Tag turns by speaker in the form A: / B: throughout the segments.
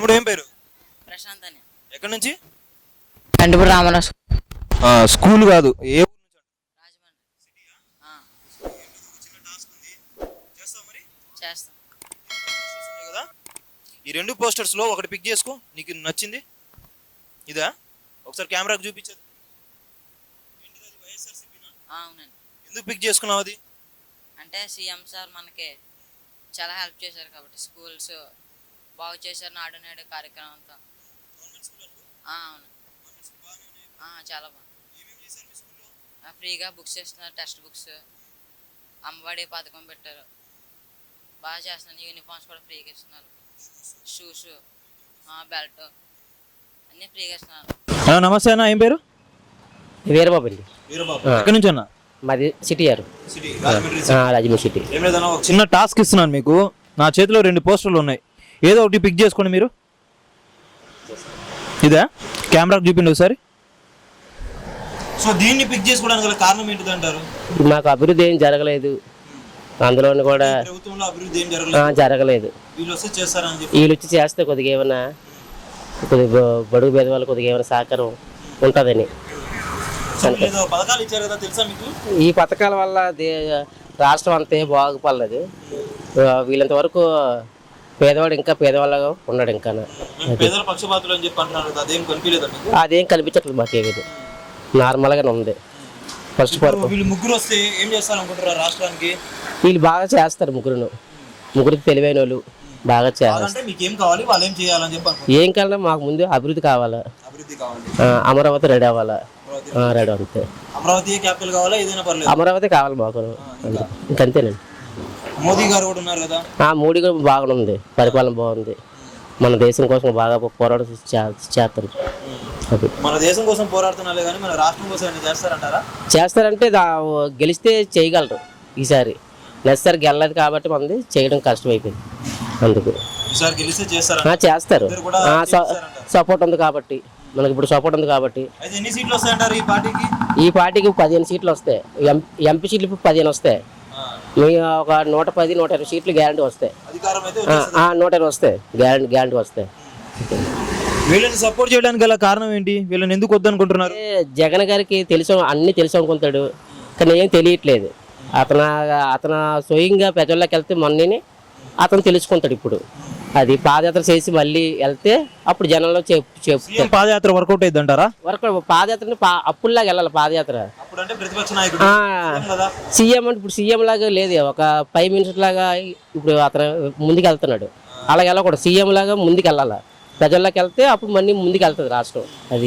A: తమ్ముడు ఏం పేరు?
B: ప్రశాంత్ అని.
A: ఎక్కడి నుంచి?
B: కంటిపూడి రామరాజు.
A: స్కూల్ కాదు, ఏ ఊరు నుంచి?
B: రాజమండ్రి. చేస్తాం
A: కదా. ఈ రెండు పోస్టర్స్ లో ఒకటి పిక్ చేసుకో, నీకు నచ్చింది. ఇదా? ఒకసారి కెమెరాకి చూపించదు.
B: అవునండి.
A: ఎందుకు పిక్ చేసుకున్నావు అది?
B: అంటే సీఎం సార్ మనకి చాలా హెల్ప్ చేశారు కాబట్టి స్కూల్స్ బాగు చేశారు. నాడు నేడు కార్యక్రమం అంతా. అవును, చాలా బాగుంది. ఫ్రీగా బుక్స్ ఇస్తున్నారు, టెక్స్ట్ బుక్స్, అమ్మఒడి పథకం పెట్టారు, బాగా చేస్తున్నారు. యూనిఫామ్స్ కూడా ఫ్రీగా ఇస్తున్నారు, షూస్, బెల్ట్ అన్నీ ఫ్రీగా ఇస్తున్నారు.
A: నమస్తే అన్న, ఏం పేరు?
C: వీరబాబు అండి.
A: ఎక్కడి నుంచి అన్న?
C: మాది సిటీ గారు, రాజమండ్రి సిటీ.
A: చిన్న టాస్క్ ఇస్తున్నాను మీకు. నా చేతిలో రెండు పోస్టర్లు ఉన్నాయి, ఏదో ఒకటి పిక్ చేసుకోండి మీరు. ఇదా? కెమెరాకి చూపిండి ఒకసారి. సో దీన్ని పిక్ చేసుకోవడానికి గల కారణం ఏంటిదంటారు?
C: మాకు అభివృద్ధి ఏం జరగలేదు, అందులోని కూడా
A: ప్రభుత్వంలో అభివృద్ధి ఏం జరగలేదు.
C: జరగలేదు.
A: వీళ్ళు వస్తే చేస్తారని చెప్పి.
C: వీళ్ళు వచ్చి చేస్తే కొద్దిగా ఏమైనా కొద్దిగా బడుగు పేద వాళ్ళు కొద్దిగా ఏమైనా సహకారం ఉంటుందని.
A: పథకాలు ఇచ్చారు కదా, తెలుసా మీకు?
C: ఈ పథకాల వల్ల రాష్ట్రం అంతే బాగుపడలేదు. వీళ్ళంత వరకు పేదవాడు ఇంకా పేదవాళ్ళగా ఉన్నాడు. ఇంకా
A: పేదల పక్షపాతులు అని చెప్పి అంటున్నారు కదా, అదేం కనిపించలేదు.
C: అదేం కనిపించట్లేదు మాకు. ఏది నార్మల్గానే ఉంది. ఫస్ట్
A: వీళ్ళు ముగ్గురు వస్తే ఏం చేస్తారనుకుంటారు రాష్ట్రానికి?
C: వీళ్ళు బాగా చేస్తారు. ముగ్గురికి తెలివైన వాళ్ళు బాగా చేస్తారు.
A: మీకేం కావాలి, వాళ్ళు ఏం చేయాలని చెప్పి?
C: ఏం కావాలన్నా మాకు ముందు అభివృద్ధి కావాలా, అమరావతి రెడీ అవ్వాలా, రెడీ అంతే.
A: అమరావతి క్యాపిటల్ కావాలా, ఏదైనా పర్లేదు,
C: అమరావతి కావాలి మాకు. ఇంకంతేనండి.
A: మోదీ గారు కూడా ఉన్నారు కదా.
C: మోడీ కూడా బాగుంది, పరిపాలన బాగుంది. మన దేశం కోసం బాగా పోరాటం చేస్తారు.
A: మన దేశం కోసం పోరాడుతున్నారే కానీ మన రాష్ట్రం కోసం చేస్తారంటారా?
C: చేస్తారంటే గెలిస్తే చేయగలరు. ఈసారి నెక్స్ట్ గెలలేదు కాబట్టి మనది చేయడం కష్టమైపోయింది. అందుకు
A: ఈసారి గెలిస్తే
C: చేస్తారు. సపోర్ట్ ఉంది కాబట్టి, మనకి ఇప్పుడు సపోర్ట్ ఉంది కాబట్టి.
A: ఎన్ని సీట్లు వస్తాయంటారు ఈ పార్టీకి?
C: ఈ పార్టీకి 15 సీట్లు వస్తాయి. ఎంపీ సీట్లు 15 వస్తాయి. ఒక 110, 120 సీట్లు గ్యారంటీ వస్తాయి. 120 వస్తాయి, గ్యారంటీ వస్తాయి.
A: వీళ్ళని సపోర్ట్ చేయడానికి గల కారణం ఏంటి? వీళ్ళని ఎందుకు వద్దనుకుంటున్నారు?
C: జగన్ గారికి అన్ని తెలుసు అనుకుంటాడు, కానీ ఏం తెలియట్లేదు. అతను స్వయంగా ప్రజల్లోకి వెళ్తే మొన్ననే అతను తెలుసుకుంటాడు. ఇప్పుడు అది పాదయాత్ర చేసి మళ్ళీ వెళ్తే అప్పుడు జనంలో చెప్తారు.
A: పాదయాత్ర వర్కౌట్ అయింది అంటారా?
C: పాదయాత్ర అప్పుడులాగా వెళ్ళాలి. పాదయాత్ర సీఎం అంటే ఇప్పుడు సీఎం లాగా లేదు, ఒక 5 మినిట్స్ లాగా ఇప్పుడు అతను ముందుకు వెళ్తున్నాడు. అలాగే వెళ్ళకూడదు, సీఎం లాగా ముందుకు వెళ్ళాలి. ప్రజల్లోకి వెళ్తే అప్పుడు మళ్ళీ ముందుకు వెళ్తుంది రాష్ట్రం. అది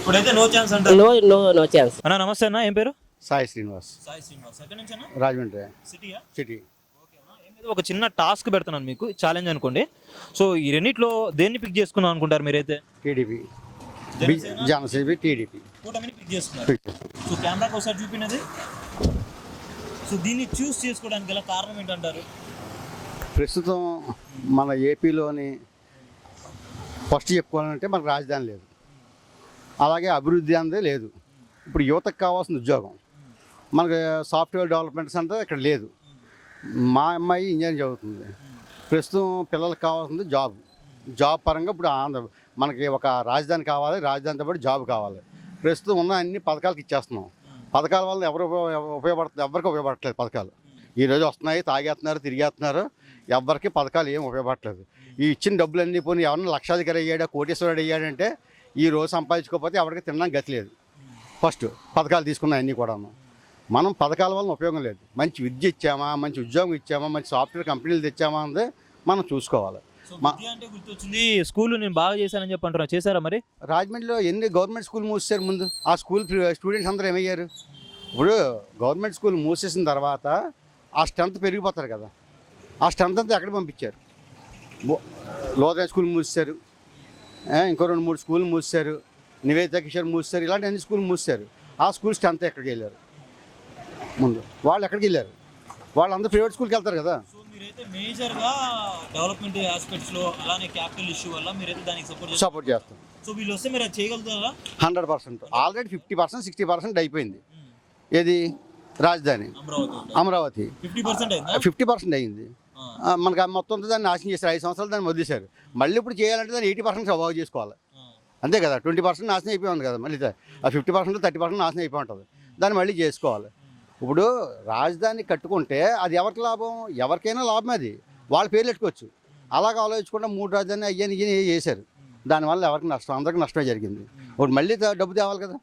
C: నో ఛాన్స్.
A: అన్న నమస్తే అన్న, ఏం పేరు?
D: సాయి శ్రీనివాస్. రాజమండ్రి సిటీ.
A: ఒక చిన్న టాస్క్ పెడుతున్నాను మీకు, ఛాలెంజ్ అనుకోండి. సో ఈ రెండిట్లో దేన్ని పిక్ చేసుకున్నాం అనుకుంటారు మీరైతే?
D: టీడీపీ, జనసేన, టీడీపీ
A: పిక్ చేసుకున్నారు. సో కెమెరాకి ఒకసారి చూపినది. సో దీన్ని చూస్ చేసుకోవడానికి గల కారణం ఏంటంటారు?
D: ప్రస్తుతం మన ఏపీలోని ఫస్ట్ చెప్పుకోవాలంటే మనకు రాజధాని లేదు, అలాగే అభివృద్ధి అనేది లేదు. ఇప్పుడు యువతకు కావాల్సిన ఉద్యోగం, మనకు సాఫ్ట్వేర్ డెవలప్మెంట్స్ అంటే ఇక్కడ లేదు. మా అమ్మాయి ఇంజనీరింగ్ చదువుతుంది. ప్రస్తుతం పిల్లలకు కావాల్సింది జాబ్ పరంగా ఇప్పుడు మనకి ఒక రాజధాని కావాలి, రాజధానితో పాటు జాబ్ కావాలి. ప్రస్తుతం ఉన్న అన్ని పథకాలకు ఇచ్చేస్తున్నాం. పథకాల వల్ల ఎవరికి ఉపయోగపడట్లేదు. పథకాలు ఈరోజు వస్తున్నాయి, తాగేస్తున్నారు, తిరిగేస్తున్నారు. ఎవరికి పథకాలు ఏం ఉపయోగపడట్లేదు. ఈ ఇచ్చిన డబ్బులన్నీ పోనీ ఎవరన్నా లక్షాధికారి అయ్యాడా, కోటేశ్వరుడు అయ్యాడంటే ఈ రోజు సంపాదించుకోకపోతే ఎవరికి తినడానికి గతి లేదు. ఫస్ట్ పథకాలు తీసుకున్న అన్నీ కూడా మనం పథకాల వలన ఉపయోగం లేదు. మంచి విద్య ఇచ్చామా, మంచి ఉద్యోగం ఇచ్చామా, మంచి సాఫ్ట్వేర్ కంపెనీలు తెచ్చామా అనేది మనం చూసుకోవాలి.
A: గుర్తొచ్చింది, స్కూల్ నేను బాగా చేశానని చెప్పి అంటున్నా, చేశారా మరి?
D: రాజమండ్రిలో ఎన్ని గవర్నమెంట్ స్కూల్ మూసేశారు ముందు. ఆ స్కూల్ స్టూడెంట్స్ అందరూ ఏమయ్యారు? ఇప్పుడు గవర్నమెంట్ స్కూల్ మూసేసిన తర్వాత ఆ స్ట్రెంత్ పెరిగిపోతారు కదా, ఆ స్ట్రెంత్ అంతా ఎక్కడ పంపించారు? లోదయ స్కూల్ మూసేశారు, ఇంకో 2-3 స్కూల్ మూసేశారు, నివేదిత కిషోర్ మూసేశారు, ఇలాంటి అన్ని స్కూల్ మూసేశారు. ఆ స్కూల్ స్ట్రెంత్ ఎక్కడికి వెళ్ళారు? ముందు వాళ్ళు ఎక్కడికి వెళ్ళారు? వాళ్ళందరూ ప్రైవేట్ స్కూల్కి వెళ్తారు కదా.
A: సో మీరైతే మేజర్గా డెవలప్మెంట్ ఆస్పెక్ట్స్లో అలానే క్యాపిటల్ ఇష్యూ వల్ల మీరైతే దానికి
D: సపోర్ట్ చేస్తాం.
A: సో వీళ్ళు వస్తే మీరు చేయగలుగుతారా?
D: 100%. ఆల్రెడీ 50%, 60% అయిపోయింది. ఏది? రాజధాని అమరావతి 50% అయింది. మనకు ఆ మొత్తం అంతా దాన్ని నాశనం చేశారు. 5 సంవత్సరాలు దాన్ని వదిలేశారు. మళ్ళీ ఇప్పుడు చేయాలంటే దాన్ని 80% బాగు చేసుకోవాలి. అంతే కదా, 20% నాశనం అయిపోయి ఉంది కదా, మళ్ళీ ఆ 50% 30% నాశనం అయిపోయి ఉంటుంది. దాన్ని మళ్ళీ చేసుకోవాలి. ఇప్పుడు రాజధాని కట్టుకుంటే అది ఎవరికి లాభం? ఎవరికైనా లాభం, అది వాళ్ళ పేర్లు పెట్టుకోవచ్చు. అలాగ ఆలోచించకుండా 3 రాజధాని అయ్యని చేశారు. దానివల్ల ఎవరికి నష్టం? అందరికీ నష్టమే జరిగింది. ఇప్పుడు మళ్ళీ డబ్బు తేవాలి కదా,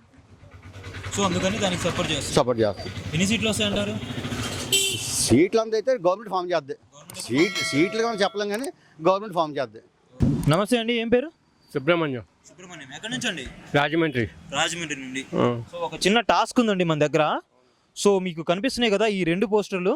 A: సో అందుకని దానికి సపోర్ట్
D: సపోర్ట్ చేస్తారు.
A: ఎన్ని సీట్లు వస్తాయంటారు?
D: సీట్లు అంతా అయితే గవర్నమెంట్ ఫామ్ చేద్ది. సీట్లు కానీ చెప్పలేం, కానీ గవర్నమెంట్ ఫామ్ చేద్ది.
A: నమస్తే అండి, ఏం పేరు?
E: సుబ్రహ్మణ్యం,
A: ఎక్కడి నుంచి అండి?
E: రాజమండ్రి.
A: రాజమండ్రి నుండి. సో ఒక చిన్న టాస్క్ ఉందండి మన దగ్గర. సో మీకు కనిపిస్తున్నాయి కదా ఈ 2 పోస్టర్లు.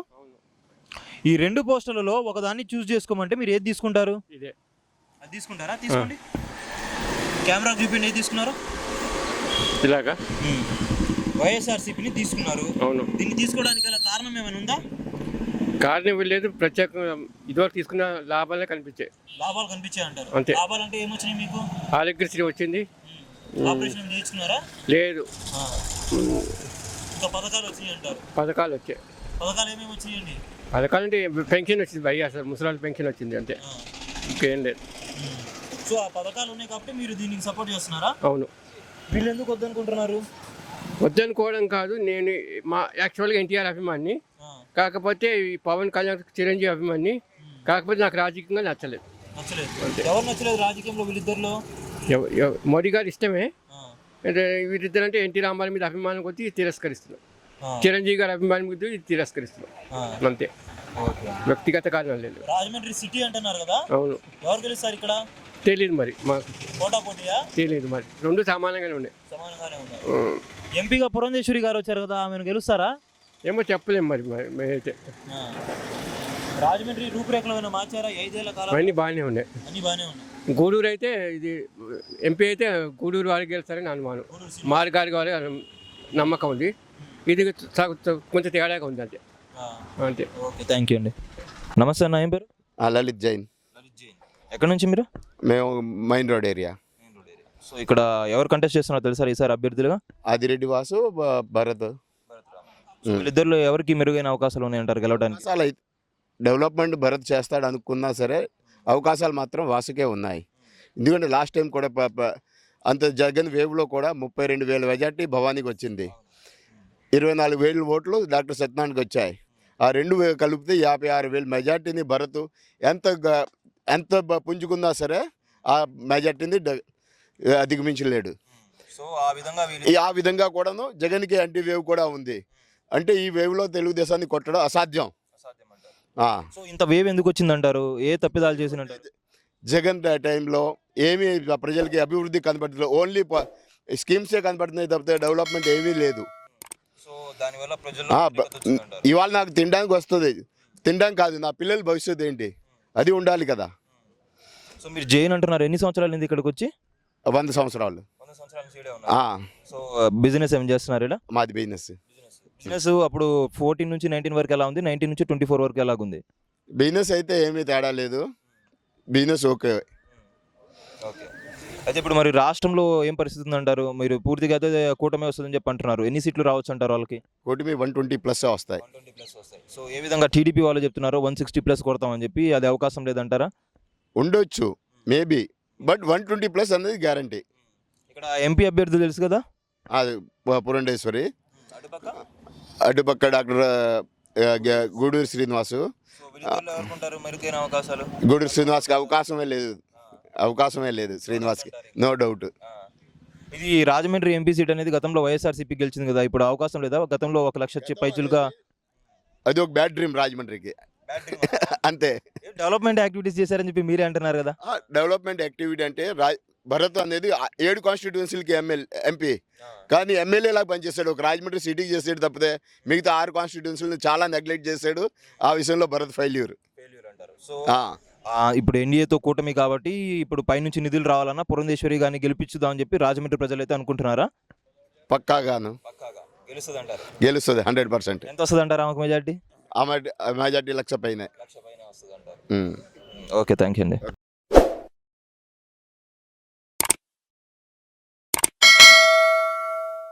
A: ఈ 2 పోస్టర్లలో ఒకదాన్ని చూస్ చేసుకోమంటే మీరు ఏది తీసుకుంటారు?
E: ఇదే.
A: అది తీసుకుంటారా? తీసుకోండి, కెమెరా చూపిండి. ఏది తీసుకున్నారు?
E: ఇలాగా
A: వైఎస్ఆర్సీపీని తీసుకున్నారు.
E: అవును.
A: దీన్ని తీసుకోవడానికి గల కారణం ఏమైనా ఉందా?
E: కారణం లేదు, ప్రత్యేకంగా ఇదివరకు తీసుకున్న లాభాలే కనిపించాయి.
A: లాభాలు కనిపించాయి అంటారు.
E: అంతే.
A: లాభాలు అంటే ఏమొచ్చినాయి మీకు?
E: ఆరోగ్యశ్రీ వచ్చింది.
A: ఆపరేషన్ చేయించుకున్నారా?
E: లేదు.
A: ఇంకా పథకాలు వచ్చినాయి అంటారు.
E: పథకాలు వచ్చాయి.
A: పథకాలు ఏమేమి వచ్చినాయండి?
E: పథకాలు అంటే పెన్షన్ వచ్చింది, వైఎస్ఆర్ ముసలాళ్ళ పెన్షన్ వచ్చింది, అంతే. ఇంకేం లేదు.
A: సో ఆ పథకాలు ఉన్నాయి కాబట్టి మీరు దీనికి సపోర్ట్ చేస్తున్నారా?
E: అవును.
A: వీళ్ళు ఎందుకు వద్దనుకుంటున్నారు?
E: వద్దనుకోవడం కాదు, నేను యాక్చువల్గా ఎన్టీఆర్ అభిమాని. కాకపోతే ఈ పవన్ కళ్యాణ్ చిరంజీవి అభిమాని. కాకపోతే నాకు రాజకీయంగా నచ్చలేదు.
A: ఎవరు నచ్చలేదు రాజకీయంలో వీళ్ళిద్దరిలో?
E: మోడీ గారు ఇష్టమే, వీరిద్దరు అంటే ఎన్టీ రామారావు మీద అభిమానం కొద్ది తిరస్కరిస్తున్నాం. చిరంజీవి గారి అభిమానం కొద్ది తిరస్కరిస్తున్నాం, అంతే. వ్యక్తిగత కారణం లేదు.
A: రాజమండ్రి సిటీ అంటున్నారు కదా,
E: అవును.
A: ఎవరు గెలుస్తారు ఇక్కడ?
E: తెలియదు మరి, మాకు
A: పోటాపోటీయా?
E: తెలియదు మరి, 2 సమానంగానే ఉన్నాయి.
A: సమానంగానే ఉన్నాయి. ఎంపీగా పురంధేశ్వరి గారు వచ్చారు కదా, ఆమెను గెలుస్తారా?
E: ఏమో చెప్పలేము మరి మేమైతే.
A: రాజమండ్రి రూపురేఖలు ఏమైనా మార్చారా 5 ఏళ్ల కాలం?
E: అన్నీ బాగానే ఉన్నాయి.
A: అన్ని బాగానే ఉన్నాయి.
E: గూడూరు అయితే ఇది ఎంపీ అయితే గూడూరు వారికి గెలుస్తారని అనుమానం. మార్గారి వారి నమ్మకం ఉంది. ఇది కొంచెం తేడాగా ఉంది, అంతే. అంతే.
A: ఓకే, థ్యాంక్ యూ అండి. నమస్తే అన్న, ఏం పేరు?
F: లలిత్ జైన్.
A: ఎక్కడి నుంచి మీరు?
F: మేము మైన్ రోడ్ ఏరియా.
A: సో ఇక్కడ ఎవరు కంటెస్ట్ చేస్తున్నారో తెలుసా ఈసారి అభ్యర్థులుగా?
F: ఆదిరెడ్డి వాసు, భరత్.
A: వీళ్ళిద్దరిలో ఎవరికి మెరుగైన అవకాశాలు ఉన్నాయంటారు గెలవడానికి?
F: అవకాశాలు అయితే డెవలప్మెంట్ భరత్ చేస్తాడు అనుకున్నా సరే అవకాశాలు మాత్రం వాసుకే ఉన్నాయి. ఎందుకంటే లాస్ట్ టైం కూడా అంత జగన్ వేవ్లో కూడా 32,000 మెజార్టీ భవానీకి వచ్చింది. 24,000 ఓట్లు డాక్టర్ సత్యనారాయణకి వచ్చాయి. ఆ 2 కలిపితే 56,000 మెజార్టీని భరత్ ఎంత పుంజుకున్నా సరే ఆ మెజార్టీని అధిగమించలేడు.
A: సో ఆ
F: విధంగా కూడాను జగన్కి యాంటీ వేవ్ కూడా ఉంది. అంటే ఈ వేవ్లో తెలుగుదేశాన్ని కొట్టడం అసాధ్యం.
A: సో ఇంత వేవ్ ఎందుకు వచ్చిందంటారు? ఏ తప్పిదాలు చేసినట్టు?
F: జగన్ టైంలో ఏమీ ప్రజలకి అభివృద్ధి కనబడుతుంది, ఓన్లీ స్కీమ్సే కనబడుతున్నాయి తప్పితే డెవలప్మెంట్ ఏమీ లేదు.
A: సో దానివల్ల
F: ఇవాళ నాకు తినడానికి వస్తుంది, తినడానికి కాదు, నా పిల్లల భవిష్యత్తు ఏంటి అది ఉండాలి కదా.
A: సో మీరు జైన్ అంటున్నారు, ఎన్ని సంవత్సరాలు అయింది ఇక్కడికి వచ్చి?
F: 100 సంవత్సరాలు.
A: సో బిజినెస్ ఏం చేస్తున్నారు ఇలా?
F: మాది బిజినెస్.
A: అప్పుడు 14 నుంచి 19 వరకు ఎలా ఉంది, 19 నుంచి 24 వరకు ఎలాగుంది?
F: బిజినెస్ అయితే ఏమీ తేడా లేదు, బిజినెస్ ఓకే.
A: ఓకే. అయితే ఇప్పుడు మరి రాష్ట్రంలో ఏం పరిస్థితి ఉందంటారు? మీరు పూర్తిగా అయితే కూటమి వస్తుందని చెప్పి అంటున్నారు. ఎన్ని సీట్లు రావచ్చు అంటారు వాళ్ళకి?
F: కూటమి 120+ వస్తాయి.
A: సో ఏ విధంగా టీడీపీ వాళ్ళు చెప్తున్నారు 160+ కొడతామని చెప్పి, అది అవకాశం లేదంటారా?
F: ఉండొచ్చు మేబీ, బట్ 120+ అనేది గ్యారంటీ.
A: ఇక్కడ ఎంపీ అభ్యర్థులు తెలుసు కదా,
F: అది పురంధేశ్వరి, అటుపక్క డాక్టర్ గూడూరు శ్రీనివాసు. గూడూరు శ్రీనివాస్కి అవకాశమే లేదు శ్రీనివాస్కి, నో డౌట్.
A: ఇది రాజమండ్రి ఎంపీ సీట్ అనేది గతంలో వైఎస్ఆర్సీపీ గెలిచింది కదా, ఇప్పుడు అవకాశం లేదా? గతంలో 1,00,000 పైచులుగా
F: అది ఒక బ్యాడ్ డ్రీమ్ రాజమండ్రికి, అంతే.
A: డెవలప్మెంట్ యాక్టివిటీస్ చేశారని చెప్పి మీరే అంటున్నారు కదా.
F: డెవలప్మెంట్ యాక్టివిటీ అంటే భరత్ అనేది 7 కాన్స్టిట్యుయెన్సీలకి ఎంపీ, కానీ ఎమ్మెల్యేలాగా పనిచేస్తాడు. ఒక రాజమండ్రి సిటీకి చేసాడు తప్పితే మిగతా 6 కాన్స్టిట్యుయెన్సీలను చాలా నెగ్లెక్ట్ చేశాడు. ఆ విషయంలో భరత్ ఫెయిల్యూర్
A: అంటారు. సో ఇప్పుడు ఎన్డీఏతో కూటమి కాబట్టి ఇప్పుడు పైనుంచి నిధులు రావాలన్నా పురంధేశ్వరి గారిని గెలిపించుదామని చెప్పి రాజమండ్రి ప్రజలు అయితే అనుకుంటున్నారా?
F: పక్కాగాను గెలుస్తుంది 100%.
A: ఎంత వస్తుంది అంటారు ఆమెకు మెజార్టీ?
F: మెజార్టీ 1,00,000 పైన.
A: ఓకే, థ్యాంక్ యూ అండి.